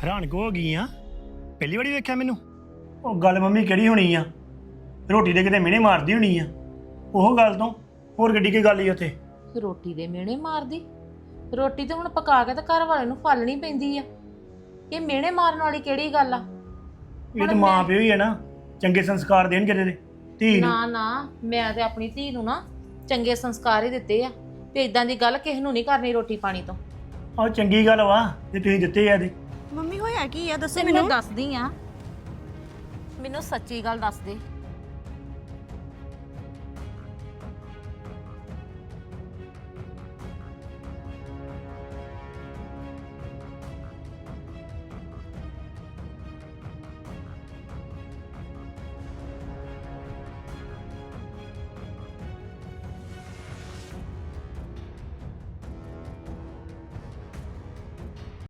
ਹੈਰਾਨ ਕੋ ਹੋ ਗਈ ਆ ਪਹਿਲੀ ਵਾਰੀ ਵੇਖਿਆ ਮੈਨੂੰ। ਉਹ ਗੱਲ ਮੰਮੀ ਕਿਹੜੀ ਹੋਣੀ ਆ, ਰੋਟੀ ਦੇ ਕਿਤੇ ਮਿਹਣੇ ਮਾਰਦੀ ਹੋਣੀ ਆ। ਉਹ ਗੱਲ ਤੋਂ ਹੋਰ ਗੱਡੀ ਕੀ ਗੱਲ ਹੀ ਉੱਥੇ। ਰੋਟੀ ਦੇ ਮਿਹਣੇ ਮਾਰਦੀ? ਰੋਟੀ ਤੇ ਹੁਣ ਪਕਾ ਕੇ ਤੇ ਘਰ ਵਾਲੇ ਨੂੰ ਫਾਲਣੀ ਪੈਂਦੀ ਆ। ਇਹ ਮਿਹਣੇ ਮਾਰਨ ਵਾਲੀ ਕਿਹੜੀ ਗੱਲ ਆ? ਇਹ ਤਾਂ ਮਾਂ ਪਿਓ ਹੀ ਆ ਨਾ, ਚੰਗੇ ਸੰਸਕਾਰ ਦੇਣ ਕਿਤੇ ਦੇ ਧੀ ਨੂੰ। ਨਾ ਨਾ, ਮੈਂ ਤੇ ਆਪਣੀ ਧੀ ਨੂੰ ਨਾ ਚੰਗੇ ਸੰਸਕਾਰ ਹੀ ਦਿੱਤੇ ਆ ਤੇ ਇਦਾਂ ਦੀ ਗੱਲ ਕਿਸੇ ਨੂੰ ਨਹੀਂ ਕਰਨੀ ਰੋਟੀ ਪਾਣੀ ਤੋਂ। ਆਹ ਚੰਗੀ ਗੱਲ ਵਾ ਜੇ ਤੁਸੀਂ ਦਿੱਤੇ ਆ ਇਹਦੇ। ਮੰਮੀ ਹੋਇਆ ਕੀ ਆ ਦੱਸੋ ਤੇ ਮੈਨੂੰ। ਮੈਨੂੰ ਦੱਸਦੀ ਆ, ਮੈਨੂੰ ਸੱਚੀ ਗੱਲ ਦੱਸ ਦੇ।